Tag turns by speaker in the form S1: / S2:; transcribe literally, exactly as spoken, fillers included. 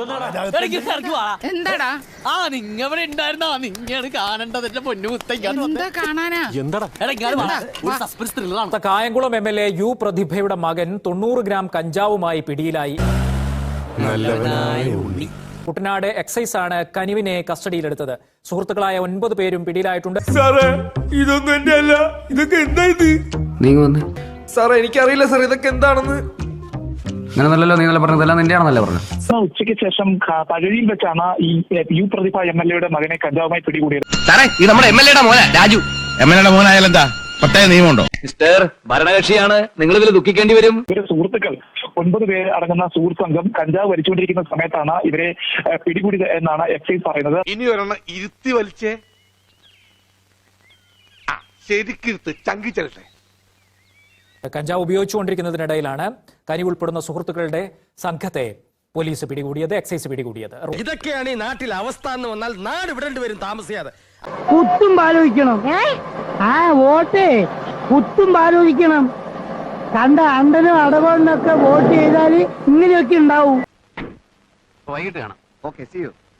S1: എന്താടാ
S2: ആ നിങ്ങ ഇവിടെ ഉണ്ടായിരുന്നാ നിങ്ങയാണ് കാണേണ്ടത് എന്റെ പൊന്നു
S1: എന്താ കാണാനാ
S2: സസ്പെൻസ് ത്രില്ലറാണ്.
S3: Kayamkulam M L A U പ്രതിഭയുടെ മകൻ തൊണ്ണൂറ് ഗ്രാം കഞ്ചാവുമായി പിടിയിലായി. കുട്ടനാട് എക്സൈസ് ആണ് കനിവിനെ കസ്റ്റഡിയിലെടുത്തത്. സുഹൃത്തുക്കളായ ഒൻപത് പേരും പിടിയിലായിട്ടുണ്ട്.
S4: സാറേ ഇതൊന്നും എന്റെ അല്ല, ഇതൊക്കെ എന്താ ഇത്?
S5: നീ വന്ന്
S4: സാറേ എനിക്കറിയില്ല സാർ ഇതൊക്കെ എന്താണെന്ന്.
S5: അങ്ങനെ നല്ലല്ലോ, നീ നല്ല പറഞ്ഞതെല്ലാം നിന്റെയാണെന്നല്ലേ പറഞ്ഞു.
S6: ഉച്ചയ്ക്ക് ശേഷം പഴനിയിൽ വെച്ചാണ് ഈ യു പ്രതിഭ എം എൽ എയുടെ മകനെ കഞ്ചാവുമായി പിടികൂടിയത്.
S5: സാറേ ഇത് നമ്മുടെ എം എൽ എയുടെ മോനാ രാജു.
S7: എം എൽ എയുടെ മോനായാലെന്താ? പ്രത്യേക നിയമമുണ്ടോ?
S5: മിസ്റ്റർ ഭരണകക്ഷിയാണ്, നിങ്ങൾ ഇതിൽ ദുഃഖിക്കേണ്ടി വരും.
S6: ഇവരുടെ സുഹൃത്തുക്കൾ ഒൻപത് പേര് അടങ്ങുന്ന സുഹൃത്ത് സംഘം കഞ്ചാവ് വലിച്ചുകൊണ്ടിരിക്കുന്ന സമയത്താണ് ഇവരെ പിടികൂടിയത് എന്നാണ് എക്സൈസ് പറയുന്നത്.
S7: ഇനി ഒരെണ്ണം ഇരുത്തി വലിച്ചേ, ശരിക്കിരുത്ത് ചങ്കി ചെല്ലട്ടെ.
S3: കഞ്ചാവ് ഉപയോഗിച്ചുകൊണ്ടിരിക്കുന്നതിനിടയിലാണ് കനിവ് ഉൾപ്പെടുന്ന സുഹൃത്തുക്കളുടെ സംഘത്തെ പോലീസ് പിടികൂടിയത്, എക്സൈസ് പിടികൂടിയത്.
S4: ഇതൊക്കെയാണ് ഈ നാട്ടിൽ അവസ്ഥ എന്ന് വന്നാൽ നാട് വിടേണ്ടി വരും താമസിയാതെ.
S8: കുത്തും ആലോചിക്കണം. ആ വോട്ടേ കുത്തും ആലോചിക്കണം. കണ്ട അണ്ടനും അടവണ്ണൊക്കെ വോട്ട് ചെയ്താൽ ഇങ്ങനെയൊക്കെ ഉണ്ടാവും.
S5: വൈകിട്ട് കാണാം. Okay, see U.